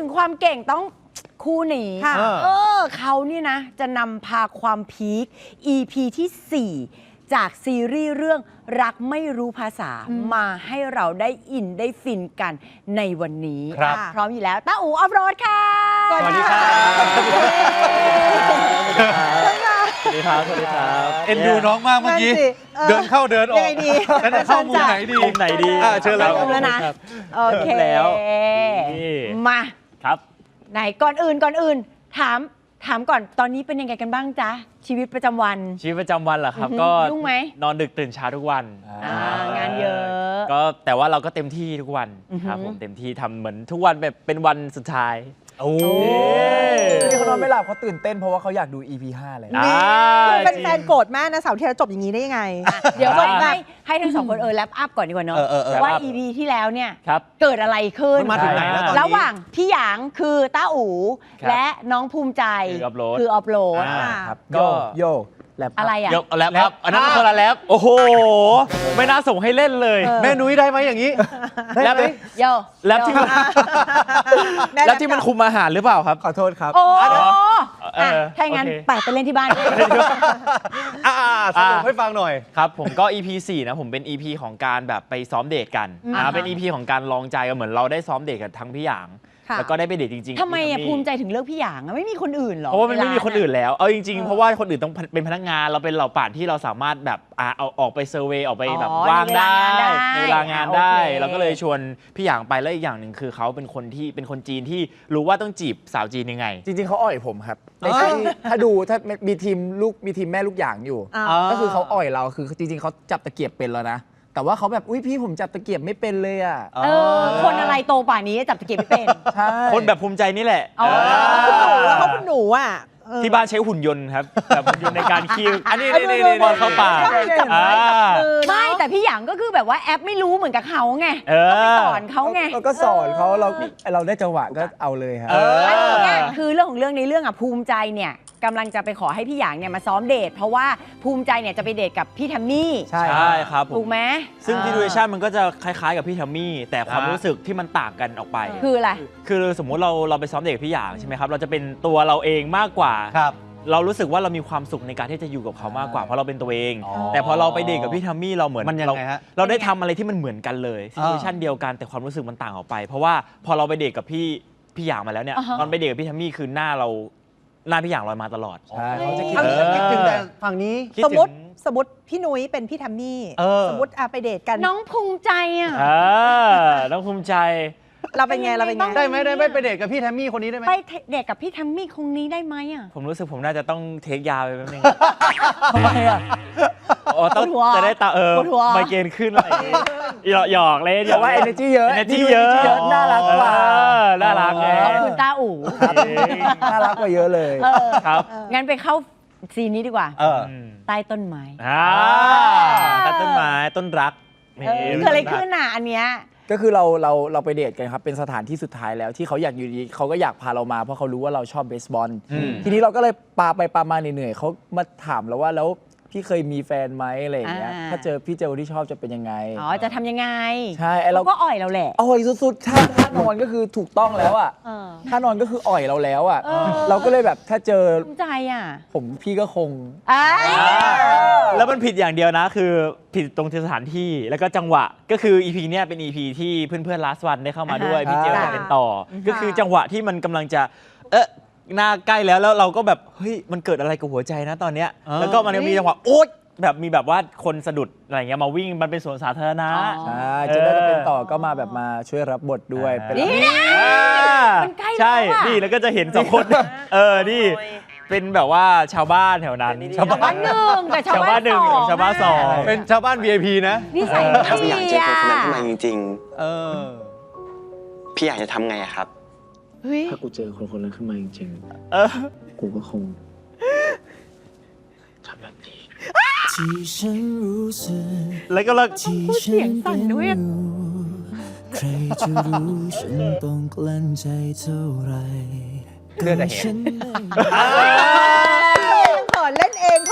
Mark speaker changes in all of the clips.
Speaker 1: ความเก่งต้องคู่นี้เขานี่นะจะนำพาความพีค EP ที่ 4 จากซีรีส์เรื่องรักไม่รู้ภาษามาให้เราได้อินได้ฟินกันในวันนี้พร้อมอยู่แล้วต้าอู๋ออฟโรดค่ะ
Speaker 2: สวัสดีครับสวัสดีครับสวัสดีครับ
Speaker 3: เอ็นดูน้องมากเมื่อกี้เดินเข้าเดินออกแล้วจะเข้ามุมไหนดี
Speaker 2: มุมไหนดี
Speaker 3: เชิญแล้ว
Speaker 1: นะโอเคแล้วมา
Speaker 2: ครับ
Speaker 1: ไหนก่อนอื่นถามก่อนตอนนี้เป็นยังไงกันบ้างจ๊ะชีวิตประจำวัน
Speaker 2: เหรอครับก็
Speaker 1: ยุ่งไหม
Speaker 2: นอนดึกตื่นเช้าทุกวัน
Speaker 1: งานเยอะ
Speaker 2: ก็แต่ว่าเราก็เต็มที่ทุกวันครับผมเต็มที่ทำเหมือนทุกวันแบบเป็นวันสุดท้าย
Speaker 4: โอ้ที่เขานอนไม่หลับเขาตื่นเต้นเพราะว่าเขาอยากดู EP 5เลย
Speaker 5: เป็นแฟนโกรธแม่นะเสาร์ที่แล้วจบอย่างนี้ได้ยังไง
Speaker 1: เดี๋ยวให้ทั้งสองคนแลปอัพก่อนดีกว่าเนาะว่า EP ที่แล้วเนี่ยเกิดอะไรขึ้น
Speaker 3: มาถึงไหนแล้วตอนนี้
Speaker 1: ระหว่างพี่หยางคือต้าอู๋และน้องภูมิใจคือออฟโหลด
Speaker 4: โย
Speaker 1: อะไรอ่ะ
Speaker 2: แรปครับอันนั้นคนละแรปโอ้โหไม่น่าส่งให้เล่นเลย
Speaker 3: แม่นุ้ยได้ไหมอย่างนี้
Speaker 2: แรปที่มันคุมอาหารหรือเปล่าครับ
Speaker 4: ขอโทษครับ
Speaker 1: โอ้ถ้าอย่างนั้นไปเล่นที่บ้าน
Speaker 3: สรุปให้ฟังหน่อย
Speaker 2: ครับผมก็ EP 4นะผมเป็น EP ของการแบบไปซ้อมเดทกันเป็น EP ของการลองใจกันเหมือนเราได้ซ้อมเดทกับทั้งพี่หยางแล้วก็ได้ไปเดทจริง
Speaker 1: ๆทำไมภูมิใจถึงเลือกพี่หยางไม่มีคนอื่นหรอ
Speaker 2: เพราะว่ามันไม่มีคนอื่นแล้วเอาจริงๆเพราะว่าคนอื่นต้องเป็นพนักงานเราเป็นเหล่าป่านที่เราสามารถแบบเอาออกไปเซอร์เวย์ออกไปแบบว่างได้ในเวลางานได้เราก็เลยชวนพี่หยางไปแล้วอีกอย่างหนึ่งคือเขาเป็นคนจีนที่รู้ว่าต้องจีบสาวจีนยังไง
Speaker 4: จริงๆเขาอ่อยผมครับถ้ามีทีมแม่ลูกหยางอยู่ก็คือเขาอ่อยเราคือจริงๆเขาจับตะเกียบเป็นแล้วนะแต่ว่าเขาแบบอุ้ยพี่ผมจับตะเกียบไม่เป็นเลยอ่ะ
Speaker 1: คนอะไรโตป่านนี้จับตะเกียบไม่เป็น
Speaker 2: คนแบบภูมิใจนี่แหละ
Speaker 5: เขาคุณหนูอ่ะ
Speaker 2: ที่บ้านใช้หุ่นยนต์ครับแบบหุ่นยนต์ในการคีบอันนี้บอลเข้าป่า
Speaker 1: ไม่แต่พี่หยางก็คือแบบว่าแอปไม่รู้เหมือนกับเขาไงไปสอนเขาไง
Speaker 4: ก็สอนเขาเราได้จังหวะก็เอาเลยครับ
Speaker 1: คือเรื่องของเรื่องในเรื่องอ่ะภูมิใจเนี่ยกำลังจะไปขอให้พี่หยางเนี่ยมาซ้อมเดทเพราะว่าภูมิใจเนี่ยจะไปเดทกับพี่แทมมี่
Speaker 2: ใช่ครับ
Speaker 1: ถูกไหม
Speaker 2: ซึ่งซิทูเอชั่นมันก็จะคล้ายๆกับพี่แทมมี่แต่ความรู้สึกที่มันต่างกันออกไป
Speaker 1: คืออะไร
Speaker 2: คือสมมุติเราไปซ้อมเดทกับพี่หยางใช่ไหมครับเราจะเป็นตัวเราเองมากกว่าเรารู้สึกว่าเรามีความสุขในการที่จะอยู่กับเขามากกว่าเพราะเราเป็นตัวเองแต่พอเราไปเดทกับพี่แทมมี่เราเหมือนเราได้ทำอะไรที่มันเหมือนกันเลยซิทูเอชั่นเดียวกันแต่ความรู้สึกมันต่างออกไปเพราะว่าพอเราไปเดทกับพี่หยางมาแล้วเนี่ยตอนไปเดทกับพี่แทมมี่คือหน้าพี่หยางลอยมาตลอด
Speaker 4: เขาจะคิด
Speaker 3: ถึงแต่ฝั่งนี้
Speaker 5: สมมติพี่นุ้ยเป็นพี่แทมมี่สมมติไปเดทกัน
Speaker 1: น้องภูมิใจอ่ะ
Speaker 2: น้องภูมิใจ
Speaker 5: เราเป็นไง
Speaker 3: ได้ไหมไปเดทกับพี่แทมมี่คนนี้ได้ไหม
Speaker 1: ไปเดทกับพี่แทมมี่คนนี้ได้ไหมอ่ะ
Speaker 2: ผมรู้สึกผมน่าจะต้องเทคยาไปแป๊บนึง
Speaker 1: ทำไมอ่ะ
Speaker 2: ต้องจะได้ไมเกรนขึ้นอะไรหยอกเล่น
Speaker 4: แต่ว่า energy เยอะน่ารักกว่า
Speaker 2: น่ารักไง
Speaker 1: ขอบคุณตาอู๋
Speaker 4: น่ารักกว่าเยอะเลย
Speaker 2: ครับ
Speaker 1: งั้นไปเข้าซีนนี้ดีกว่าใต้ต้นไม้
Speaker 2: ใต้ต้นไม้ต้นรัก
Speaker 1: เกิดอะไรขึ้นอ่ะอันเนี้ย
Speaker 4: ก็คือเราไปเดทกันครับเป็นสถานที่สุดท้ายแล้วที่เขาอยากอยู่ดีเขาก็อยากพาเรามาเพราะเขารู้ว่าเราชอบเบสบอลทีนี้เราก็เลยปามาเหนื่อยๆเขามาถามเราว่าแล้วพี่เคยมีแฟนไหมอะไรอย่างเงี้ยถ้าพี่เจอที่ชอบจะเป็นยังไง
Speaker 1: จะทำยังไง
Speaker 4: ใช่
Speaker 1: เราก็อ่อยเราแหละ
Speaker 4: อ่อยสุดๆท่านอนก็คือถูกต้องแล้วอ่ะท่านอนก็คืออ่อยเราแล้วอ่ะเราก็เลยแบบถ้าเจอ
Speaker 1: ภูมิใจอ่ะ
Speaker 4: พี่ก็คง
Speaker 2: แล้วมันผิดอย่างเดียวนะคือผิดตรงสถานที่แล้วก็จังหวะก็คือ EP เนี่ยเป็น EP ที่เพื่อนๆ Last One ได้เข้ามาด้วยพี่เจลเป็นต่อก็คือจังหวะที่มันกำลังจะหน้าใกล้แล้วเราก็แบบเฮ้ยมันเกิดอะไรกับหัวใจนะตอนเนี้ยแล้วก็มันมีจังหวะโอ๊ยแบบมีแบบว่าคนสะดุดอะไรเงี้ยมาวิ่งมันเป็นสวนสาธารณะ
Speaker 4: ใช่จะได้เป็นต่อก็มาแบบมาช่วยรับบทด้วยเป็น
Speaker 1: มันใกล้
Speaker 2: ใช่นี่แล้วก็จะเห็น2คนนี่เป็นแบบว่าชาวบ้านแถวนั้น
Speaker 1: ชาวบ้าน1กับชาวบ้าน2
Speaker 2: ชาวบ้าน2
Speaker 3: เป็นชาวบ้าน VIP นะ
Speaker 1: นิสัยดี
Speaker 6: ถ้าพี่อยากเจอคนนั้นขึ้นมาจริงๆพี่อยากจะทำไงครับ
Speaker 4: ถ้ากูเจอคนนั้นขึ้นมาจริงๆกูก็คงทำแบบนี้
Speaker 2: แล้วก็
Speaker 1: เสียงสั่นด้วย
Speaker 7: ใครจะรู้ฉันต้องกลั้นใจเท่าไร
Speaker 3: เลือดจะเห็น
Speaker 5: เขินเล่นเองเขิ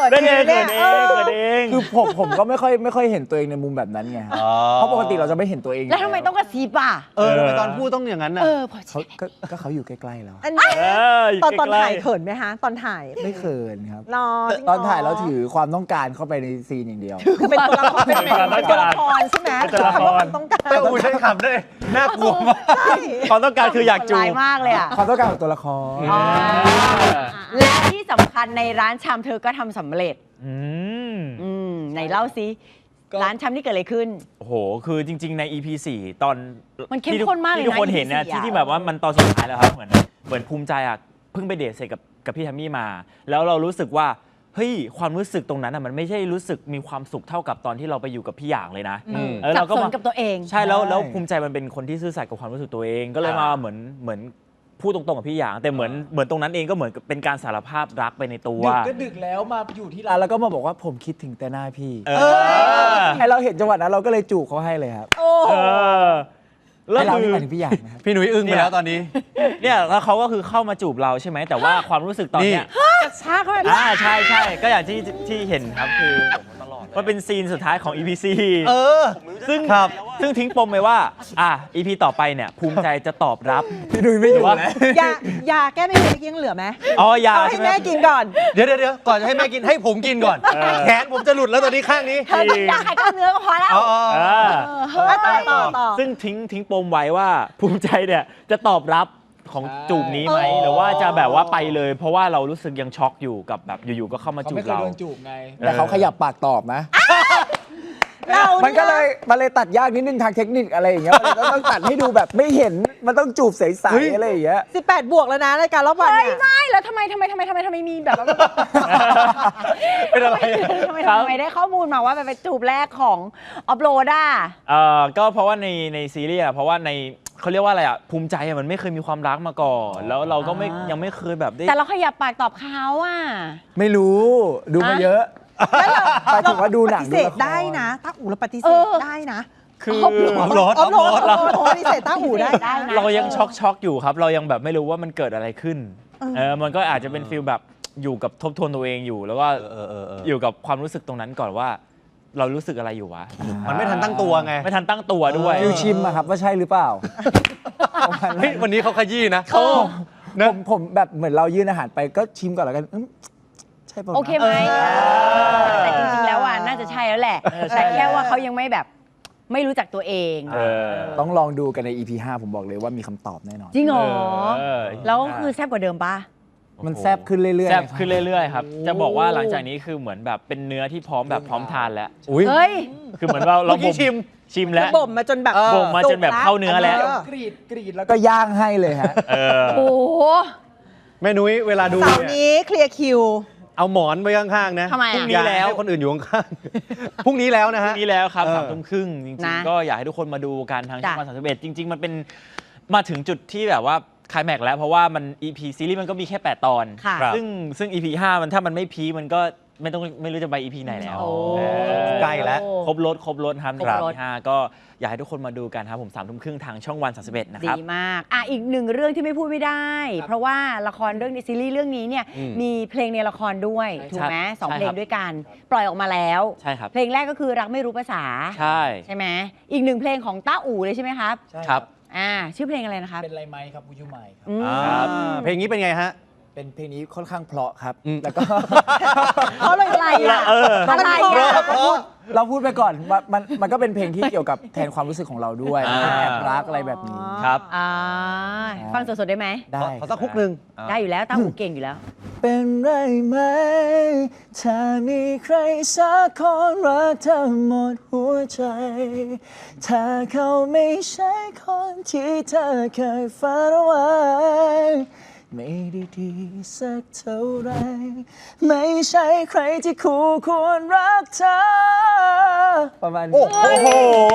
Speaker 5: น
Speaker 2: นั่นเอง
Speaker 5: เนี่
Speaker 2: เกิ
Speaker 5: ย
Speaker 2: ดเองเกิดเอง
Speaker 4: คือผมก็ไม่ค่อยเห็นตัวเองในมุมแบบนั้นไงครับเพราะปกติเราจะไม่เห็นตัวเอง
Speaker 1: แล้วทำไมต้องกระซิบอ่ะ
Speaker 3: ทำไมตอนพูดต้องอย่างนั้นน่ะ
Speaker 1: พอ
Speaker 4: เขาก็เขาอยู่ใกล้ๆแล้ว
Speaker 5: อันนี้
Speaker 2: อยู่
Speaker 5: ตอน
Speaker 2: ใกล้ๆ
Speaker 5: ถ่ายเขินไหมฮะตอนถ่าย
Speaker 4: ไม่เขินครับ
Speaker 5: รอ
Speaker 4: ตอนถ่ายเราถือความต้องการเข้าไปในซีนอย่างเดียว
Speaker 5: คือเป็นตัวละครเป็นตัวละครใช่ไหม
Speaker 2: เป็นตัวละคร
Speaker 5: คำว่าความต้องการ
Speaker 3: เต้าอูใช้คำด้วยน่ากลัวมาก
Speaker 5: ใช่
Speaker 2: ความต้องการคืออยากจู
Speaker 1: ร้าย
Speaker 2: บ
Speaker 1: มากเลยอ่ะ
Speaker 4: ความต้องการของตัวละคร
Speaker 1: และที่สำคัญในร้านชามเธอก็ทำสำเร็จ
Speaker 2: อืม
Speaker 1: ไหนเล่าซิร้านชามนี่เกิดอะไรขึ้น
Speaker 2: โอ้โห คือจริง ๆ ใน EP 4 ตอน
Speaker 1: มันเข้มข้นมากเลยนะ
Speaker 2: ที่ทุกคนเห็นเนี่ย
Speaker 1: EP 4
Speaker 2: ที่แบบว่ามันตอนสุดท้ายแล้วครับ เหมือนภูมิใจอ่ะ เพิ่งไปเดทเสร็จกับพี่แทมมี่มา แล้วเรารู้สึกว่า เฮ้ย ความรู้สึกตรงนั้นอ่ะ มันไม่ใช่รู้สึกมีความสุขเท่ากับตอนที่เราไปอยู่กับพี่หยางเลยนะแล้ว
Speaker 1: สั
Speaker 2: เรา
Speaker 1: บ
Speaker 2: ก็
Speaker 1: สน
Speaker 2: มา
Speaker 1: กับตัวเอง
Speaker 2: ใช่แล้วภูมิใจมันเป็นคนที่ซื่อสัตย์กับความรู้สึกตัวเอง ก็เลยมาเหมือนพูดตรงๆกับพี่หยาง แต่เหมือนตรงนั้นเองก็เหมือนเป็นการสารภาพรักไปในตัว
Speaker 4: ดึกก็ดึกแล้วมาอยู่ที่ร้านแล้วก็มาบอกว่าผมคิดถึงแต่หน้าพี่
Speaker 2: เออ
Speaker 4: ไอเราเห็นจังหวะนั้นเราก็เลยจูบเขาให้เลยครับ
Speaker 5: โอ้
Speaker 2: เออแล้
Speaker 4: ไอ
Speaker 2: ว
Speaker 4: เรา
Speaker 2: คื
Speaker 4: นี่
Speaker 2: อ
Speaker 4: หมายถึงพี่หยางนะครับ
Speaker 3: พี่หนุ่ยอึ้งไปแล้วตอนนี้
Speaker 2: เนี่ยแล้วเขาก็คือเข้ามาจูบเราใช่ไหมแต่ว่าความรู้สึกตอนเนี้ย
Speaker 5: กระชากเข้าไป
Speaker 2: ใช่ก็อย่างที่เห็นครับคือมันเป็นซีนสุดท้ายของ EPC ซึ่ง
Speaker 3: ครับ
Speaker 2: ซึ่งทิ้งปมไว้ว่าEP ต่อไปเนี่ยภูมิใจจะตอบรับ
Speaker 4: พี่ดุยไม่อยู่นะ
Speaker 5: ยาแก้ไม่เป็นยังเหลือไหม
Speaker 2: อ๋อยา
Speaker 5: เอาให้
Speaker 2: ใช่ไหม
Speaker 5: แม่กินก่อน
Speaker 3: เดี๋ยวก่อนจะให้แม่กินให้ผมกินก่อน แขนผมจะหลุดแล้วตอนนี้ข้างนี้
Speaker 1: เธอต้องอยากให้กล้ามเนื้อก็พอแล้ว
Speaker 3: อ๋อ
Speaker 5: ต่อ
Speaker 2: ซึ่งทิ้งปมไว้ว่าภูมิใจเนี่ยจะตอบรับของจูบนี้ไหมหรือว่าจะแบบว่าไปเลย เพราะว่าเรารู้สึกยังช็อกอยู่กับแบบอยู่ๆก็เข้ามา
Speaker 4: เขา
Speaker 2: จูบ
Speaker 4: ไม่เคย
Speaker 2: เรา
Speaker 4: โดนจูบไง แต่เขาขยับปากตอบนะ
Speaker 5: เรา
Speaker 4: มันก็เลยตัดยากนิดนึงทางเทคนิคอะไรอย่างเงี้ยมันต้องตัดให้ดูแบบไม่เห็น มันต้องจูบใสๆอะไรอย่างเงี้ย
Speaker 5: 18 บวกแล้วนะรายการรอบวัน
Speaker 1: เฮ้ย
Speaker 5: เนี่ย
Speaker 1: ไม่แล้วทำไมมีแบบ
Speaker 3: เป็นอะไร
Speaker 1: ทำไมได้ข้อมูลมาว่าเป็นจูบแรกของออฟโรดอ่ะ
Speaker 2: ก็เพราะว่าในซีรีส์เพราะว่าในเขาเรียกว่าอะไรภูมิใจมันไม่เคยมีความรักมาก่อน แล้วเราก็ยังไม่เคยแบบได้
Speaker 1: แต่เราขยับปากตอบเขาอ่ะ
Speaker 4: ไม่รู้ดูมาเยอะไปถึงว่าดูหนัง
Speaker 5: ปฏิ
Speaker 4: ดู
Speaker 5: เสธ
Speaker 4: ละคร
Speaker 5: ได้นะต้าอู่เราปฏิเสธได้นะ
Speaker 2: คือ
Speaker 5: ออฟโรดปฏิเสธต้าอู่ได้
Speaker 1: ได้นะ
Speaker 2: เรายังช็อกอยู่ครับ เรายังแบบไม่รู้ว่ามันเกิดอะไรขึ้นมันก็อาจจะเป็นฟีลแบบอยู่กับทบทวนตัวเองอยู่ แล้วก็อยู่กับความรู้สึกตรงนั้นก่อนว่า เรารู้สึกอะไรอยู่วะ
Speaker 3: มันไม่ทันตั้งตัวไง
Speaker 2: ไม่ทันตั้งตัวด้วย
Speaker 4: ฟิวชิมอะครับว่าใช่หรือเปล่า
Speaker 3: เฮ้ยวันนี้เขาขยี้นะ
Speaker 4: ผมแบบเหมือนเรายื่นอาหารไปก็ชิมก่อนแล้วกันใช่ป่ะ
Speaker 1: โอเคไหมแต่จริงๆแล้วอ่ะน่าจะใช่แล้วแหละ แต่แค่ว่าเขายังไม่แบบไม่รู้จักตัวเอง
Speaker 4: ต้องลองดูกันใน EP 5 ผมบอกเลยว่ามีคำตอบแน่นอน
Speaker 1: จริงเหรอ
Speaker 2: เออ
Speaker 1: แล้วก็คือแซ่บกว่าเดิมปะ
Speaker 4: มันแซบขึ้นเรื่อยๆ
Speaker 2: แซ่บ
Speaker 4: นะครับ
Speaker 2: ขึ้นเรื่อยๆครับจะบอกว่าหลังจากนี้คือเหมือนแบบเป็นเนื้อที่พร้อมแบบพร้อมทานแล้ว
Speaker 3: อุ้ย
Speaker 1: เฮ้ย
Speaker 2: คือเหมือนเรา
Speaker 3: เมื่อกี้ชิม
Speaker 2: แล้ว
Speaker 5: บ่มมาจนแบบ
Speaker 2: บ่มมาจนแบบเข้าเนื้อแล้ว
Speaker 4: กรีดแล้วก็ย่างให้เลยฮะ
Speaker 1: โอ้โห
Speaker 3: แม่นุ้ยเวลาดู
Speaker 5: เสาร์
Speaker 3: เนี่ย
Speaker 5: นี้เคลียร์คิว
Speaker 3: เอาหมอนไว้ข้างๆนะ
Speaker 1: ทำไม
Speaker 2: พรุ่ง
Speaker 1: อ่ะ
Speaker 2: นี้
Speaker 3: อย่าให้คนอื่นอยู่ข้างๆ พรุ่งนี้แล้วนะ
Speaker 2: พ
Speaker 3: ฮะ
Speaker 2: รุ่งนี้แล้วครับ
Speaker 3: เออ
Speaker 2: 3 ทุ่มครึ่งจริง
Speaker 1: นะ
Speaker 2: ๆก็อยากให้ทุกคนมาดูกันทางช่อง
Speaker 1: จ้ะ
Speaker 2: วัน31จริง ๆ มันเป็นมาถึงจุดที่แบบว่าคลายแม็กซ์แล้วเพราะว่ามัน EP ซีรีส์มันก็มีแค่ 8 ตอน
Speaker 1: ค่ะ
Speaker 2: ซึ่ง EP 5 มันถ้ามันไม่พีคมันก็ไม่รู้จะไป EP ไหนแล้ว
Speaker 1: โอ้
Speaker 3: ใกล้แล้ว
Speaker 2: ครบรถครับใน
Speaker 1: ครบ
Speaker 2: EP
Speaker 1: รถ
Speaker 2: 5ก็อยากให้ทุกคนมาดูกันครับผม3 ทุ่มครึ่งทางช่องวัน31นะค
Speaker 1: ดี
Speaker 2: รับ
Speaker 1: มากอีกหนึ่งเรื่องที่ไม่พูดไม่ได้ เพราะว่าละครเรื่องนี้ซีรีส์เรื่องนี้เนี่ยมีเพลงในละครด้วยถูกไหมสอง
Speaker 2: ใช่
Speaker 1: เพล
Speaker 2: ครั
Speaker 1: ง
Speaker 2: บ
Speaker 1: ด้วยกันปล่อยออกมาแล้ว
Speaker 2: ใช่ครับ
Speaker 1: เพลงแรกก็คือรักไม่รู้ภาษา
Speaker 2: ใช่
Speaker 1: ใช่ไหมอีกหนึ่งเพลงของต้าอู่เลยใช่ไหมครับ
Speaker 2: ครับ
Speaker 1: ชื่อเพลงอะไรนะครับ
Speaker 4: เป็นไรไหมครับผู้ชูใหม่ครับ
Speaker 1: อืม
Speaker 2: ครับ
Speaker 3: เพลงนี้เป็นไงฮะ
Speaker 4: เป็นเพลงนี้ค่อนข้างเพราะครับ
Speaker 3: อืม
Speaker 4: แล้วก็
Speaker 5: เพราะอะไรอ่ะ
Speaker 1: อะไรอ่ะ
Speaker 4: เราพูดไปก่อนว่ามันก็เป็นเพลงที่เกี่ยวกับแทนความรู้สึกของเราด้วย
Speaker 2: อ่า
Speaker 4: แอบรักอะไรแบบนี้
Speaker 2: ครับ
Speaker 1: ฟังสดๆได้ไหม
Speaker 4: ได้
Speaker 3: ขอสักคุกหนึ่ง
Speaker 1: ได้อยู่แล้วต้าอู่เก่งอยู่แล้ว
Speaker 4: เป็นไรไหม ถ้ามีใครสักคนรักเธอหมดหัวใจ ถ้าเขาไม่ใช่คนที่เธอเคยฝันเอาไว้ ไม่ได้ดีสักเท่าไร ไม่ใช่ใครที่คู่ควรรักเธอ ประมาณนี้
Speaker 3: โอ้โห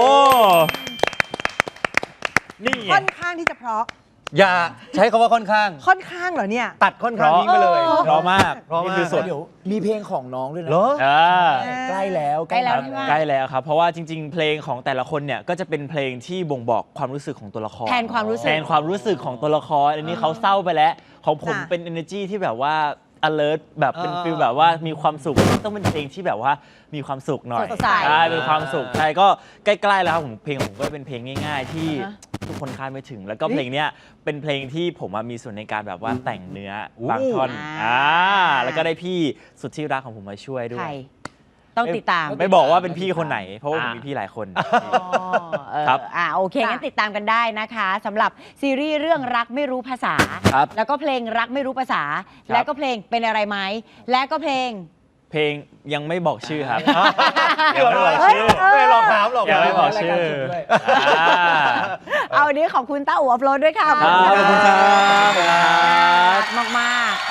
Speaker 2: นี่ไง
Speaker 5: ค่อนข้างที่จะเพราะ
Speaker 3: อย่าใช้คำว่าค่อนข้าง
Speaker 5: ค่อนข้างเหรอเนี่ย
Speaker 3: ตัดค่อนข้างทิ้งไปเลย
Speaker 2: เพราะมาก
Speaker 3: เพราะมาก
Speaker 2: นี่คือสด
Speaker 4: เดี๋ยวมีเพลงของน้องด้วยนะ
Speaker 3: เหรอ
Speaker 4: ใกล้แล้ว
Speaker 1: ใกล้แล้ว
Speaker 4: ครับ
Speaker 1: ใช่ไหม
Speaker 2: ใกล้แล้วครับ เพราะว่าจริง ๆ เพลงของแต่ละคนเนี่ยก็จะเป็นเพลงที่บ่งบอกความรู้สึกของตัวละคร
Speaker 1: แทนความรู้สึก
Speaker 2: แทนความรู้สึกของตัวละคร อันนี้เขาเศร้าไปแล้ว ของผม
Speaker 5: ค่ะ
Speaker 2: เป็น energy ที่แบบว่า alert แบบเป็นฟีลแบบว่ามีความสุขต้องเป็นเพลงที่แบบว่ามีความสุขหน่อย
Speaker 1: สดใส
Speaker 2: ใช่เป็นความสุขใช่ก็ใกล้ๆแล้วครับผมเพลงผมก็เป็นเพลงง่ายๆ ที่ทุกคนคาดไม่ถึง แล้วก็เพลงเนี้ยเป็นเพลงที่ผมมีส่วนในการแบบว่าแต่งเนื้อบางท่อนแล้วก็ได้พี่สุดที่รักของผมมาช่วยด้ว
Speaker 1: ใคร
Speaker 2: ย
Speaker 1: ต้องติดตาม
Speaker 2: ไม่บอกว่าเป็นพี่คนไหน เพราะว่าผมมีพี่หลายคน ครับ
Speaker 1: โอเคงั้นติดตามกันได้นะคะสำหรับซีรีส์เรื่องรักไม่รู้ภาษา
Speaker 4: ครับ
Speaker 1: แล้วก็เพลงรักไม่รู้ภาษา และก็เพลงเป็นอะไรไหมและก็เพลง
Speaker 2: เพลงยังไม่บอกชื่อครับ
Speaker 3: เดี๋ยวไม่บอกชื่อไม่หลอกถามหรอก
Speaker 2: ยังไม่บอกชื่ออ่า
Speaker 1: เอาวันนี้ขอบคุณต้าอู่อัพโหลดด้วยค่ะ
Speaker 2: ครับขอบคุณครับ
Speaker 1: มาก